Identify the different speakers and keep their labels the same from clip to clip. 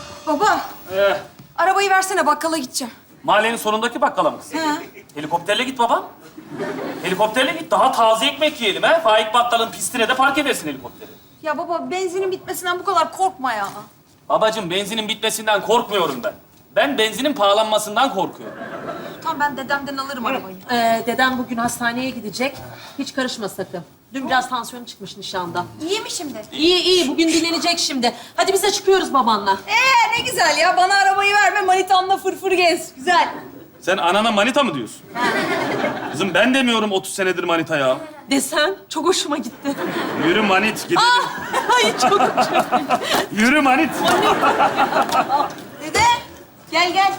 Speaker 1: Baba,
Speaker 2: Ee,
Speaker 1: arabayı versene bakkala gideceğim.
Speaker 2: mahallenin sonundaki bakkala mı kız?
Speaker 1: He.
Speaker 2: Helikopterle git baba. Helikopterle git. Daha taze ekmek yiyelim ha. Faik Bakkal'ın pistine de park edersin helikopteri.
Speaker 1: Ya baba, benzinin bitmesinden bu kadar korkma ya.
Speaker 2: Babacığım benzinin bitmesinden korkmuyorum ben. Ben benzinin pahalanmasından korkuyorum.
Speaker 1: Tamam, ben dedemden alırım arabayı.
Speaker 3: Dedem bugün hastaneye gidecek. Hiç karışma sakın. Dün biraz tansiyonu çıkmış nişanda.
Speaker 1: İyi mi şimdi?
Speaker 3: İyi, bugün dinlenecek şimdi. Hadi biz de çıkıyoruz babanla.
Speaker 1: Ne güzel ya. Bana arabayı verme, manitamla fırfır gez. Güzel.
Speaker 2: Sen anana manita mı diyorsun? Kızım ben demiyorum 30 senedir manita ya.
Speaker 3: Desen çok hoşuma gitti.
Speaker 2: Yürü manit gidelim.
Speaker 3: Ay çok hoşuma.
Speaker 2: Yürü manit.
Speaker 1: Dede, gel.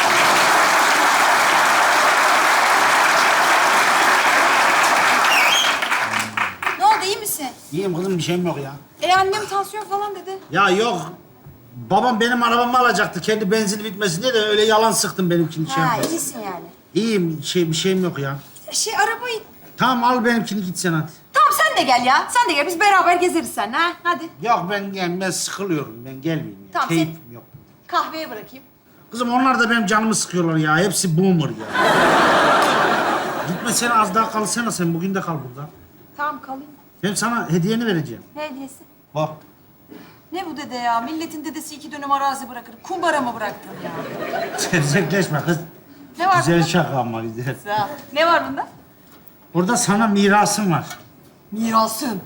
Speaker 1: Ne oldu, iyi misin?
Speaker 4: İyiyim kızım, bir şeyim yok ya.
Speaker 1: Annem tansiyon falan dedi.
Speaker 4: Ya yok. Babam benim arabamı alacaktı. Kendi benzini bitmesin diye de öyle yalan sıktım benimkini. Şey yapmasın.
Speaker 1: iyisin yani.
Speaker 4: İyiyim, bir şeyim yok ya.
Speaker 1: Arabayı...
Speaker 4: Tamam al benimkini git sen hadi.
Speaker 1: Tamam, sen de gel ya. Sen de gel, biz beraber gezeriz seninle ha. Hadi.
Speaker 4: Yok ben sıkılıyorum. Ben gelmeyeyim ya.
Speaker 1: Tamam,
Speaker 4: Keyfim yok.
Speaker 1: Kahveye bırakayım.
Speaker 4: Kızım onlar da benim canımı sıkıyorlar ya. Hepsi boomer ya. Gitme sen az daha kalsana sen. Bugün de kal burada.
Speaker 1: Tamam, kalayım.
Speaker 4: Ben sana hediyeni vereceğim.
Speaker 1: Ne hediyesi?
Speaker 4: Bak.
Speaker 1: Ne bu dede ya? Milletin dedesi 2 dönüm arazi bırakır. Kumbara mı bıraktın ya?
Speaker 4: Sevzekleşme kız.
Speaker 1: Ne var
Speaker 4: Güzel
Speaker 1: bunda?
Speaker 4: şaka ama güzel.
Speaker 1: Güzel. Ne var bunda?
Speaker 4: Burada sana mirasım var.
Speaker 1: Mirasın.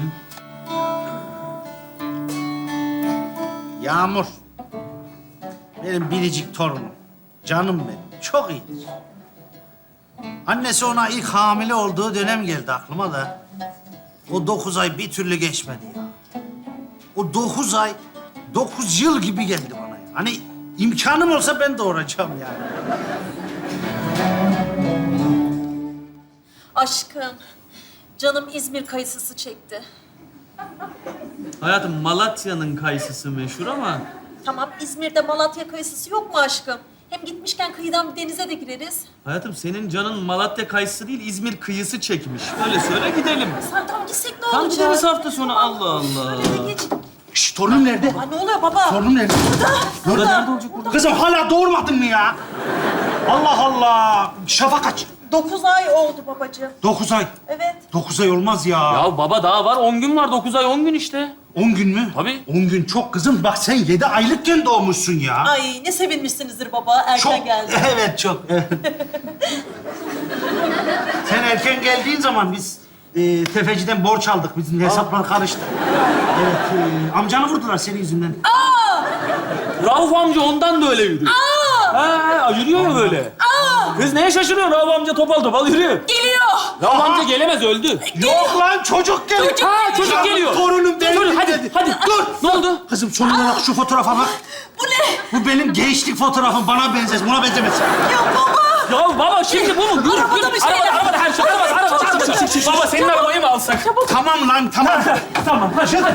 Speaker 4: Yağmur. Benim biricik torunum. Canım benim. Çok iyidir. Annesi ona ilk hamile olduğu dönem geldi aklıma da. O 9 ay bir türlü geçmedi ya. O 9 ay, 9 yıl gibi geldi bana ya. Hani imkanım olsa ben doğuracağım yani.
Speaker 3: Aşkım, canım İzmir kayısısı çekti.
Speaker 5: Hayatım Malatya'nın kayısısı meşhur ama
Speaker 3: Tamam, İzmir'de Malatya kayısısı yok mu aşkım? Hem gitmişken kıyıdan bir denize de gireriz.
Speaker 5: hayatım senin canın Malatya kayısı değil İzmir kıyısı çekmiş. Öyle söyle gidelim.
Speaker 3: Sen tam gitsek ne
Speaker 5: Tam
Speaker 3: olacak?
Speaker 5: gideriz hafta sonu Allah Allah.
Speaker 3: Hadi geç.
Speaker 4: Şşş, torunum nerede?
Speaker 3: Ay ne oluyor baba?
Speaker 4: Torunum nerede?
Speaker 5: Burada nerede olacak burada?
Speaker 4: Kızım hala doğurmadın mı ya? Allah Allah. Şafak kaç?
Speaker 3: 9 ay oldu babacığım.
Speaker 4: 9 ay.
Speaker 3: Evet.
Speaker 4: 9 ay olmaz ya.
Speaker 2: Ya baba daha var 10 gün var 9 ay 10 gün işte.
Speaker 4: 10 gün mü?
Speaker 2: Tabii.
Speaker 4: 10 gün çok kızım. Bak sen 7 aylıkken doğmuşsun ya.
Speaker 3: Ay ne sevinmişsinizdir baba erken
Speaker 4: Çok.
Speaker 3: geldi.
Speaker 4: Evet çok. Evet. Sen erken geldiğin zaman biz tefeciden borç aldık. Bizim hesaplar karıştı. Evet. Amcanı vurdular senin yüzünden.
Speaker 2: Rauf amca ondan da öyle yürüyor. Ha, yürüyor ya böyle. Kız neye şaşırıyorsun? Rauf amca topal topal yürüyor.
Speaker 3: Geliyor.
Speaker 2: Rauf amca gelemez öldü.
Speaker 4: Yok lan çocuk geliyor.
Speaker 2: Çocuk
Speaker 4: Ya,
Speaker 2: geliyor.
Speaker 4: Torunum benim
Speaker 2: Çocuk, hadi,
Speaker 4: dedi.
Speaker 2: hadi.
Speaker 4: Dur.
Speaker 2: Ne oldu?
Speaker 4: Kızım son olarak şu fotoğrafa bak.
Speaker 3: Bu ne?
Speaker 4: Bu benim gençlik fotoğrafım. Bana benzez. Buna benzemez.
Speaker 3: Ya baba.
Speaker 2: Ya baba şimdi bu mu? Yürü,
Speaker 3: Arabada
Speaker 2: yürü.
Speaker 3: bir şey yap.
Speaker 2: Arabada her şey. Arabada. Baba senin arabayı mı alsak?
Speaker 4: Tamam lan tamam.
Speaker 2: Tamam hadi.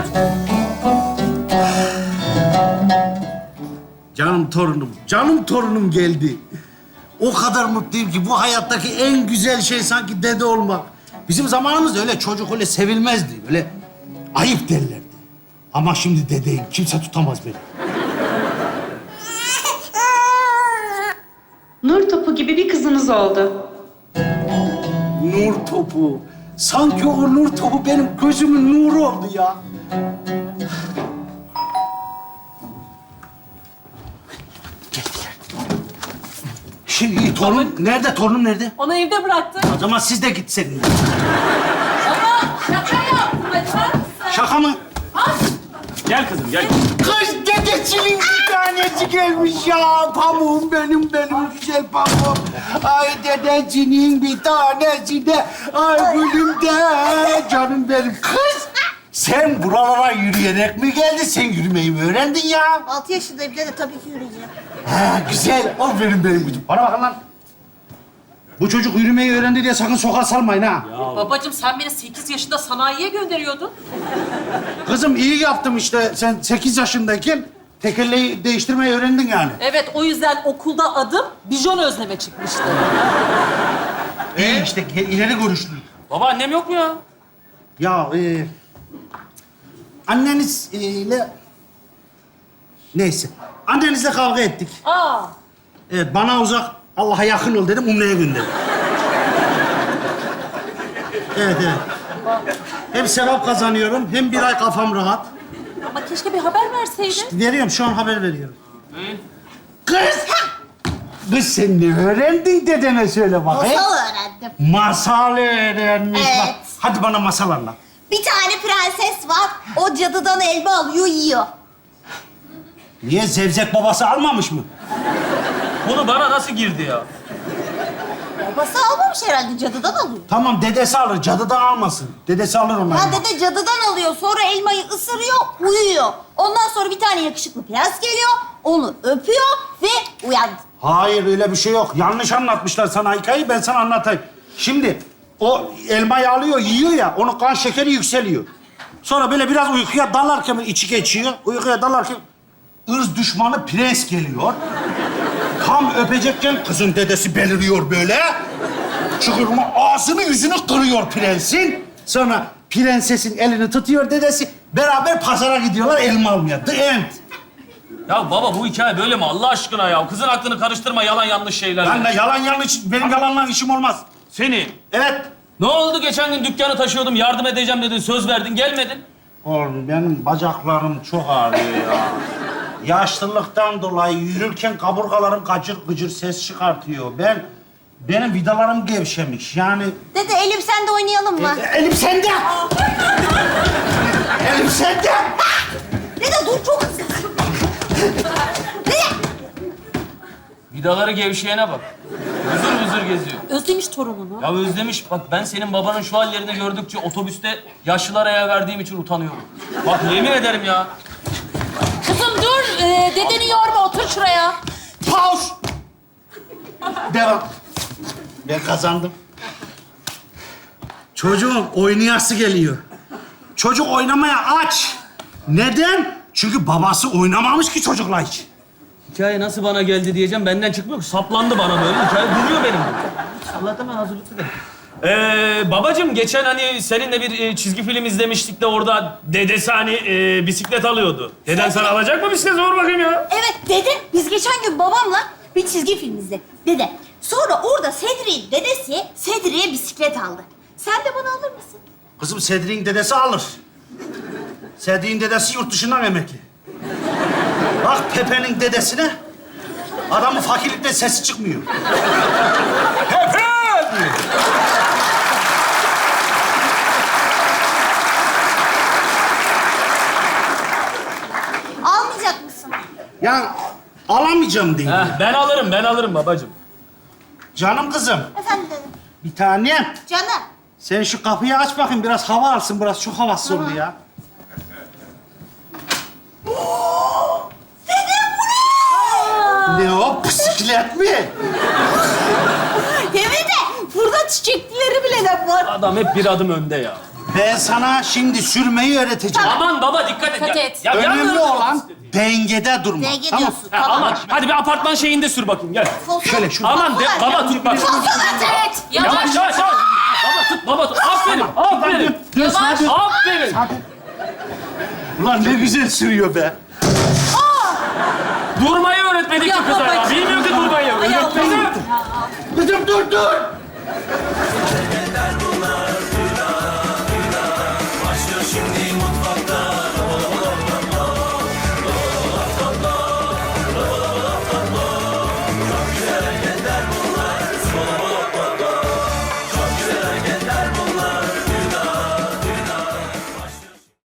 Speaker 4: Canım torunum geldi. O kadar mutluyum ki bu hayattaki en güzel şey sanki dede olmak. Bizim zamanımızda öyle çocuk öyle sevilmezdi. Öyle ayıp derlerdi. Ama şimdi dedeyim. Kimse tutamaz beni.
Speaker 6: Nur topu gibi bir kızınız oldu.
Speaker 4: Nur topu. Sanki o nur topu benim gözümün nuru oldu ya. Şimdi torun nerede? Torunum nerede?
Speaker 3: Onu evde bıraktım.
Speaker 4: O zaman siz de gitseydiniz.
Speaker 3: Baba şaka yap. Hadi.
Speaker 4: Şaka mı?
Speaker 2: Gel kızım gel.
Speaker 4: Kız dedesinin bir tanesi gelmiş ya. Pamuğum benim güzel pamuğum. Ay dedecinin bir tanesi de. Ay gülüm de. Canım benim. Kız sen buralara yürüyerek mi geldin? Sen yürümeyi mi öğrendin ya?
Speaker 1: 6 yaşındayım dede, tabii ki yürüyeceğim.
Speaker 4: Ha, güzel. O benim gücüm. Bana bakın lan. Bu çocuk yürümeyi öğrendi diye sakın sokağa salmayın ha.
Speaker 3: Babacığım sen beni 8 yaşında sanayiye gönderiyordun.
Speaker 4: Kızım iyi yaptım işte. Sen 8 yaşındayken tekerleği değiştirmeyi öğrendin yani.
Speaker 3: Evet o yüzden okulda adım Bijon Özleme çıkmıştı.
Speaker 4: İyi işte ileri görüşlü.
Speaker 2: Baba annem yok mu ya?
Speaker 4: Ya annenizle Neyse. Annenizle kavga ettik.
Speaker 3: Aa,
Speaker 4: Evet, bana uzak, Allah'a yakın ol dedim, Umre'ye gönderdim. Evet, evet. Hem sevap kazanıyorum, hem bir ay kafam rahat.
Speaker 3: ama keşke bir haber verseydin.
Speaker 4: Veriyorum, şu an haber veriyorum. Kız! Kız sen ne öğrendin dedene söyle bakayım.
Speaker 7: Masal öğrendim.
Speaker 4: Masal öğrenmiş.
Speaker 7: Evet.
Speaker 4: Bak, hadi bana masal anlat.
Speaker 7: Bir tane prenses var. O cadıdan elma alıyor, yiyor.
Speaker 4: Niye zevzek babası almamış mı?
Speaker 2: Bunu bana nasıl girdi ya?
Speaker 7: Babası almamış herhalde, cadıdan alıyor.
Speaker 4: Tamam, dedesi alır, cadıdan almasın. Dedesi alır onları.
Speaker 7: Ha dede cadıdan alıyor, sonra elmayı ısırıyor, uyuyor. Ondan sonra bir tane yakışıklı prens geliyor, onu öpüyor ve uyandı.
Speaker 4: Hayır, öyle bir şey yok. Yanlış anlatmışlar sana hikayeyi, ben sana anlatayım. Şimdi o elmayı alıyor, yiyor ya, onun kan şekeri yükseliyor. Sonra böyle biraz uykuya dalarken içi geçiyor. Uykuya dalarken ırz düşmanı prens geliyor. Tam öpecekken kızın dedesi beliriyor böyle. Çıkırma ağzını yüzünü kırıyor prensin. Sonra prensesin elini tutuyor dedesi. Beraber pazara gidiyorlar elma almaya. The end.
Speaker 2: Ya baba bu hikaye böyle mi Allah aşkına ya? Kızın aklını karıştırma yalan yanlış şeylerle.
Speaker 4: Ben de yalan yanlış, benim yalanla işim olmaz.
Speaker 2: Seni.
Speaker 4: Evet.
Speaker 2: Ne oldu geçen gün dükkanı taşıyordum yardım edeceğim dedin söz verdin gelmedin.
Speaker 4: Oğlum benim bacaklarım çok ağrıyor ya. Yaşlılıktan dolayı yürürken kaburgalarım gıcır gıcır ses çıkartıyor. Benim vidalarım gevşemiş. Yani
Speaker 7: Dede elim sende oynayalım mı?
Speaker 4: elim sende. Elim sende.
Speaker 7: Dede dur, çok hızlı. Dede!
Speaker 2: Vidaları gevşeyene bak. Vızır vızır geziyor.
Speaker 3: Özlemiş torununu.
Speaker 2: Ya özlemiş bak ben senin babanın şu hallerini gördükçe otobüste yaşlılara yer verdiğim için utanıyorum. Bak yemin ederim ya.
Speaker 3: Kızım dur, dedeni yorma, otur şuraya.
Speaker 4: Pause. Devam. Ben kazandım. Çocuğun oynayası geliyor. Çocuk oynamaya aç. Neden? Çünkü babası oynamamış ki çocukla hiç.
Speaker 2: Hikaye nasıl bana geldi diyeceğim benden çıkmıyor ki. Saplandı bana böyle. Hikaye duruyor benim. Allah'tan ben hazırlıklı değilim. Babacığım geçen hani seninle bir çizgi film izlemiştik de orada dedesi hani bisiklet alıyordu. Deden sana alacak mı bisiklet? Sor bakayım ya.
Speaker 7: Evet dede, biz geçen gün babamla bir çizgi film izledik. Dede, sonra orada Sedri'nin dedesi Sedri'ye bisiklet aldı. Sen de bana alır mısın?
Speaker 4: Kızım Sedri'nin dedesi alır. Sedri'nin dedesi yurt dışından emekli. Bak Pepe'nin dedesine. Adamın fakirlikten sesi çıkmıyor. Pepe! diyor.
Speaker 7: Almayacak mısın?
Speaker 4: Ya alamayacağım diye.
Speaker 2: Ben alırım babacığım.
Speaker 4: Canım kızım,
Speaker 7: Efendim dedim.
Speaker 4: bir tanem.
Speaker 7: Canım.
Speaker 4: Sen şu kapıyı aç bakayım, biraz hava alsın. Biraz çok havasız oldu ya. Ne o, bisiklet mi?
Speaker 7: Evet de burada çiçeklileri bile de var.
Speaker 2: Adam hep bir adım önde ya.
Speaker 4: Ben sana şimdi sürmeyi öğreteceğim.
Speaker 2: Aman baba dikkat et.
Speaker 3: Dikkat
Speaker 2: Ya,
Speaker 3: et.
Speaker 2: ya
Speaker 4: Önemli
Speaker 2: yalnız-
Speaker 4: olan dengede durmak.
Speaker 7: Denge
Speaker 4: Tamam.
Speaker 7: diyorsun.
Speaker 2: Ha,
Speaker 7: Tamam.
Speaker 2: aman hadi bir apartman şeyinde sür bakayım gel.
Speaker 4: Şöyle şurada.
Speaker 2: Aman de, baba tut bak.
Speaker 7: Evet.
Speaker 2: Yavaş yavaş. Baba tut. Aferin. Aferin.
Speaker 4: Dur, hadi.
Speaker 2: Aferin.
Speaker 4: Ulan ne güzel sürüyor be.
Speaker 2: Durmayı öğretmedik ki
Speaker 3: Ya
Speaker 2: kıza ya.
Speaker 3: babacığım.
Speaker 2: Bilmiyor ki durmayı.
Speaker 3: Ay
Speaker 2: Öğretmedim.
Speaker 3: Allah'ım.
Speaker 4: Kızım dur.